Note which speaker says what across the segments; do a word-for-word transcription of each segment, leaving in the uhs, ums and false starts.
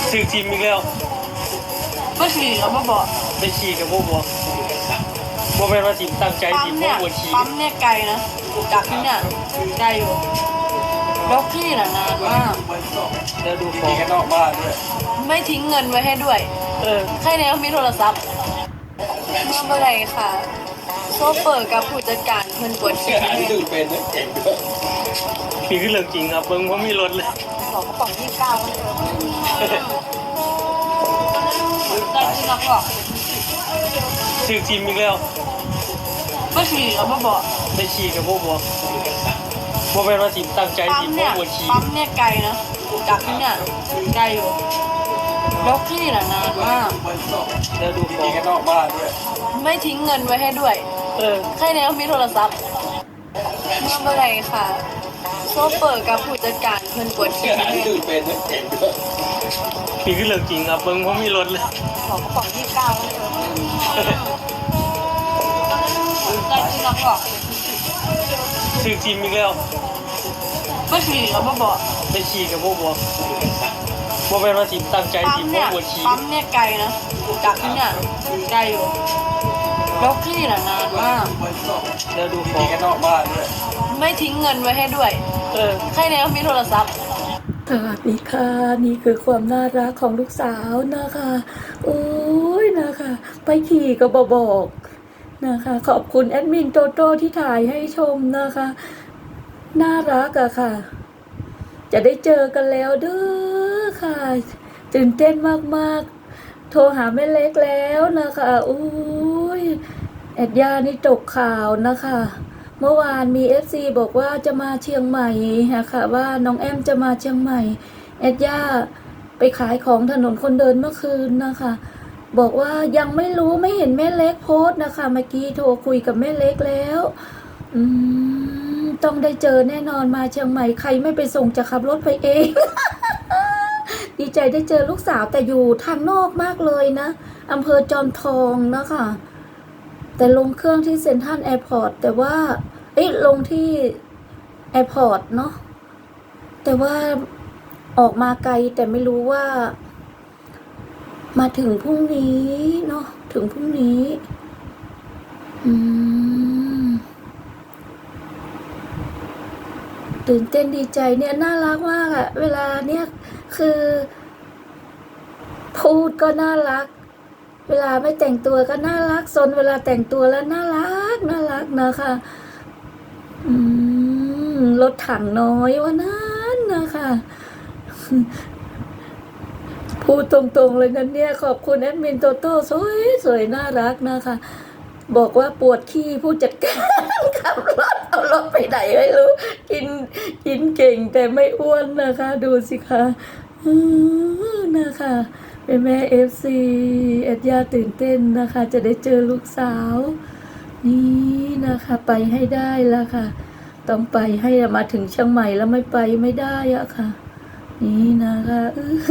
Speaker 1: ซื้อทีมอีกแล้ว
Speaker 2: ไม่ขี่กับบ่บอก
Speaker 1: ไปขี่กับพวกบอกว่าเป็นว่าทีมตั้งใจทีมพวกบวขี่
Speaker 2: ปั๊มเนี่ยไกลนะจากที่เนี่ยไกลอยู่แล้วพี่น่ะนานมาก
Speaker 1: แล้วดูข
Speaker 3: มี
Speaker 1: อง
Speaker 3: แค่นอกบ้านด้วย
Speaker 2: ไม่ทิ้งเงินไว้ให้ด้วย
Speaker 1: เออ
Speaker 2: แค่นี้ก็มีโทรศัพท์เมื่อเมื่อไรค่ะโซเปิดกับผู้จัดการเงินปวดขี้
Speaker 3: ที่ดูเป็นนะเก่งด้วย
Speaker 1: มีขึ้นเรื่องจริงครับเบิ้งว่ามีรถเลย
Speaker 2: สองกระป๋องยี่สิบเก้าได้จริงแล้วก็
Speaker 1: ซื้อทีมอีกแล้ว
Speaker 2: ไม่ขี่กับบ่บอก
Speaker 1: ไปขี่กับพวกบอกว่าเป็นว่าทีมตั้งใจทีมพวกบวขี่
Speaker 2: ปั๊มเนี่ยไกลนะจากที่เนี่ยไกลอยู่แล้วพี่น่ะนานมาก
Speaker 1: แล้วดูขอ
Speaker 3: มี
Speaker 1: ง
Speaker 3: แค่นอกบ้านด้วย
Speaker 2: ไม่ทิ้งเงินไว้ให้ด้วย
Speaker 1: เออ
Speaker 2: แค่นี้ก็มีโทรศัพท์เมื่อเมื่อไรค่ะโซเปิดกับผู้จัดการเงินปวดขี้
Speaker 3: ที่ดูเป็นนะเก่งด้วย
Speaker 1: มีขึ้นเรื่องจริงครับเบิ้งว่ามีรถเลย
Speaker 2: สองกระป๋องยี่สิบเก้าได้จริงแล้วก็
Speaker 1: ซื้อทีมอีกแล้ว
Speaker 2: ไม่ขี่กับบ่บอก
Speaker 1: ไปขี่กับพวกบอกว่าเป็นว่าทีมตั้งใจทีมพวกบวขี่
Speaker 2: ปั๊มเนี่ยไกลนะจากที่เนี่ยไกลอยู่แล้วพี่น่ะนานมาก
Speaker 1: แล้วดูขอ
Speaker 3: มี
Speaker 1: ง
Speaker 3: แค่นอกบ้านด้วย
Speaker 2: ไม่ทิ้งเงินไว้ให้ด้วย
Speaker 1: เออ
Speaker 2: แค่นี้ก็มีโทรศัพท์
Speaker 4: สวัสดีค่ะนี่คือความน่ารักของลูกสาวนะคะโอ้ยนะคะไปขี่ก็บบอกนะคะขอบคุณแอดมินโตโต้ที่ถ่ายให้ชมนะคะน่ารักอะค่ะจะได้เจอกันแล้วเด้อค่ะตื่นเต้นมากๆโทรหาแม่เล็กแล้วนะคะโอ้ยแอดยานี่ตกข่าวนะคะเมื่อวานมี เอฟ ซี บอกว่าจะมาเชียงใหม่นะคะว่าน้องแอมจะมาเชียงใหม่แอดย่าไปขายของถนนคนเดินเมื่อคืนนะคะบอกว่ายังไม่รู้ไม่เห็นแม่เล็กโพสต์นะคะเมื่อกี้โทรคุยกับแม่เล็กแล้วอืมต้องได้เจอแน่นอนมาเชียงใหม่ใครไม่ไปส่งจะขับรถไปเอง ดีใจได้เจอลูกสาวแต่อยู่ทางนอกมากเลยนะอำเภอจอมทองนะคะแต่ลงเครื่องที่เซ็นทรัลแอร์พอร์ตแต่ว่าเอ้ยลงที่แอร์พอร์ตเนาะแต่ว่าออกมาไกลแต่ไม่รู้ว่ามาถึงพรุ่งนี้เนาะถึงพรุ่งนี้อืมตื่นเต้นดีใจเนี่ยน่ารักมากอะเวลาเนี่ยคือพูดก็น่ารักเวลาไม่แต่งตัวก็น่ารักซนเวลาแต่งตัวแล้วน่ารักน่ารักนะคะอืมรถถังน้อยวันนั้นนะคะพูดตรงๆเลยนะเนี่ยขอบคุณแอดมินโตโต้สวยสวยน่ารักนะคะบอกว่าปวดขี้ผู้จัดการขับรถเอารถไปไหนไม่รู้กินกินเก่งแต่ไม่อ้วนนะคะดูสิคะนะคะเป็นแม่เอฟซีแอดยาตื่นเต้นนะคะจะได้เจอลูกสาวนี่นะคะไปให้ได้แล้วค่ะต้องไปให้มาถึงเชียงใหม่แล้วไม่ไปไม่ได้อะค่ะนี่นะคะ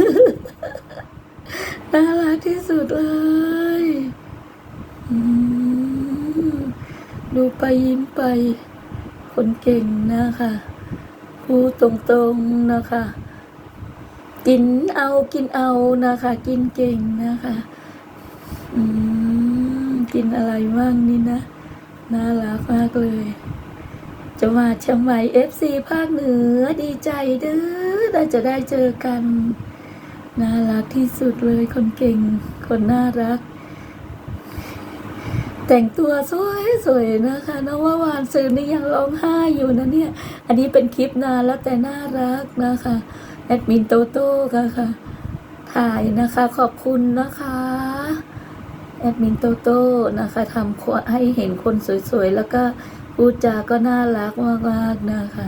Speaker 4: น่ารักที่สุดเลยดูไปยิ้มไปคนเก่งนะคะพูดตรงๆนะคะกินเอากินเอานะคะกินเก่งนะคะอืมกินอะไรบ้างนี่นะน่ารักมากเลยจะมาเชียงใหม่ เอฟ ซี ภาคเหนือดีใจเด้อได้จะได้เจอกันน่ารักที่สุดเลยคนเก่งคนน่ารักแต่งตัวสวยๆนะคะน้องว่าวานซื้อนี่ยังร้องไห้อยู่นะเนี่ยอันนี้เป็นคลิปนานแล้วแต่น่ารักนะคะแอดมินโตโต้ค่ะค่ะถ่ายนะคะขอบคุณนะคะแอดมินโตโต้นะคะทำให้เห็นคนสวยๆแล้วก็พูดจาก็น่ารักมากๆนะคะ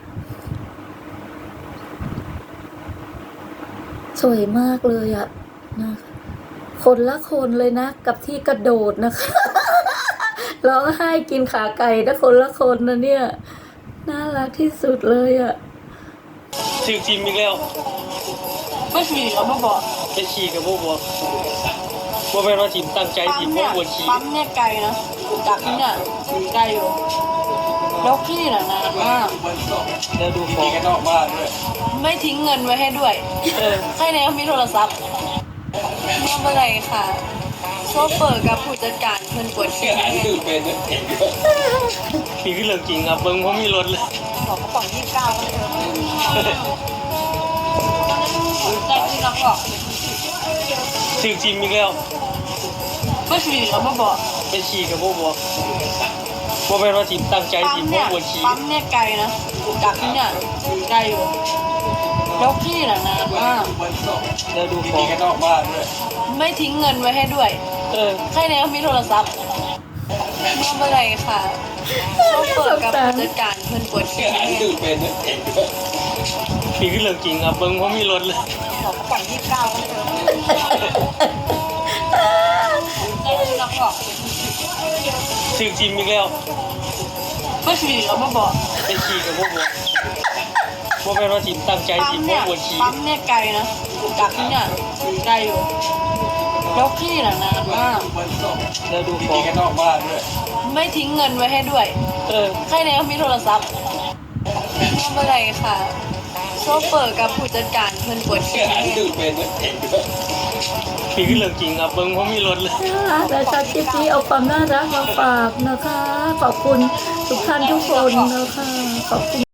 Speaker 4: สวยมากเลยอะนะคะคนละคนเลยนะกับที่กระโดดนะคะร้องไห้กินขาไก่นะคนละคนนะเนี่ยน่ารักที่สุดเลยอะ
Speaker 1: ซื้อทีมอีกแล้ว
Speaker 2: ไม่ขี่กับบ่บอก
Speaker 1: ไปขี่กับพวกบอกว่าเป็นว่าทีมตั้งใจทีมพวกบวขี่
Speaker 2: ปั๊มเนี่ยไกลนะจากที่เนี่ยไกลอยู่แล้วพี่น่ะนานมาก
Speaker 1: แล้วดูข
Speaker 3: มี
Speaker 1: อง
Speaker 3: แค่นอกบ้านด้วย
Speaker 2: ไไม่ทิ้งเงินไว้ให้ด้วย
Speaker 1: เออ
Speaker 2: ใครในเขามีโทรศัพท์เมื่อเมื่อไหร่ค่ะ โชเฟอร์กับผู้จัดการเพิ่นปวด
Speaker 3: เสี
Speaker 2: ขี้
Speaker 3: ยหายคือเป็นด้วยเก่งด้วย
Speaker 1: นี่คือเรื่องจริงครับเบิ้งเพราะมีรถเลย
Speaker 2: บอกกระป๋องยี่สิบเก้าแล้วเธอใจจริงแล้วบอก
Speaker 1: ถึงจริงอีกแล้ว
Speaker 2: ก็ฉี่แล้วมาบอก
Speaker 1: ไปฉี่กับพวกบอกว่าเป็นว่าจิตั้งใจ
Speaker 2: ปั๊
Speaker 1: จิ
Speaker 2: ม
Speaker 1: พว
Speaker 2: เนี่
Speaker 1: ก
Speaker 2: ย
Speaker 1: ปวดฉี่
Speaker 2: ปั๊มเนี่ยไกลนะจากที่เนี่ยไกลอยู่แล้วพี่น่ะนานมาก
Speaker 1: แล้วดู
Speaker 3: มี
Speaker 1: ของ
Speaker 3: กันนอกบ้านด้วย
Speaker 2: ไม่ทิ้งเงินไว้ให้ด้วย
Speaker 1: เออ
Speaker 2: ใครในเขามีโทรศัพท์เมื่อเมื่อไหร่ค่ะ โชเฟอร์กับผู้จัดการเพิ่นปวด
Speaker 3: เสี
Speaker 2: ขี้
Speaker 3: ยหายคือเป็นด้วยเก่งด้วย
Speaker 1: นี่คือเรื่องจริงครับเบิ้งเพราะมีรถเลย
Speaker 2: บอกกระป๋องยี่สิบเก้าแล้วเธอใจจริงแล้วบอก
Speaker 1: ถึงจริงอีกแล้ว
Speaker 2: ก็ฉี่แล้วมาบอก
Speaker 1: ไปฉี่กับพวกบอกว่าเป็นว่าจิตั้งใจ
Speaker 2: ปั๊
Speaker 1: จิ
Speaker 2: ม
Speaker 1: พว
Speaker 2: เนี่
Speaker 1: ก
Speaker 2: ย
Speaker 1: ปวดฉี่
Speaker 2: ปั๊มเนี่ยไกลนะจากที่เนี่ยไกลอยู่แล้วพี่น่ะนานมาก
Speaker 1: แล้วดู
Speaker 3: มี
Speaker 1: ของ
Speaker 3: กันนอกบ้านด้วย
Speaker 2: ไม่ทิ้งเงินไว้ให้ด้วย
Speaker 1: เออ
Speaker 2: ใครในเขามีโทรศัพท์เมื่อเมื่อไหร่ค่ะ โชเฟอร์กับผู้จัดการเพิ่นปวด
Speaker 3: เสี
Speaker 2: ขี้
Speaker 3: ยหายคือเป็นด้วยเก่งด้วย
Speaker 1: นี่คือเรื่องจริงครับเบิ้งเพราะมีรถเลย
Speaker 4: ค่ะแต่ชาคลิปนี้เอาความน่ารักมาฝากนะคะ ขอบคุณทุกท่านทุกคนนะคะ ขอบคุณ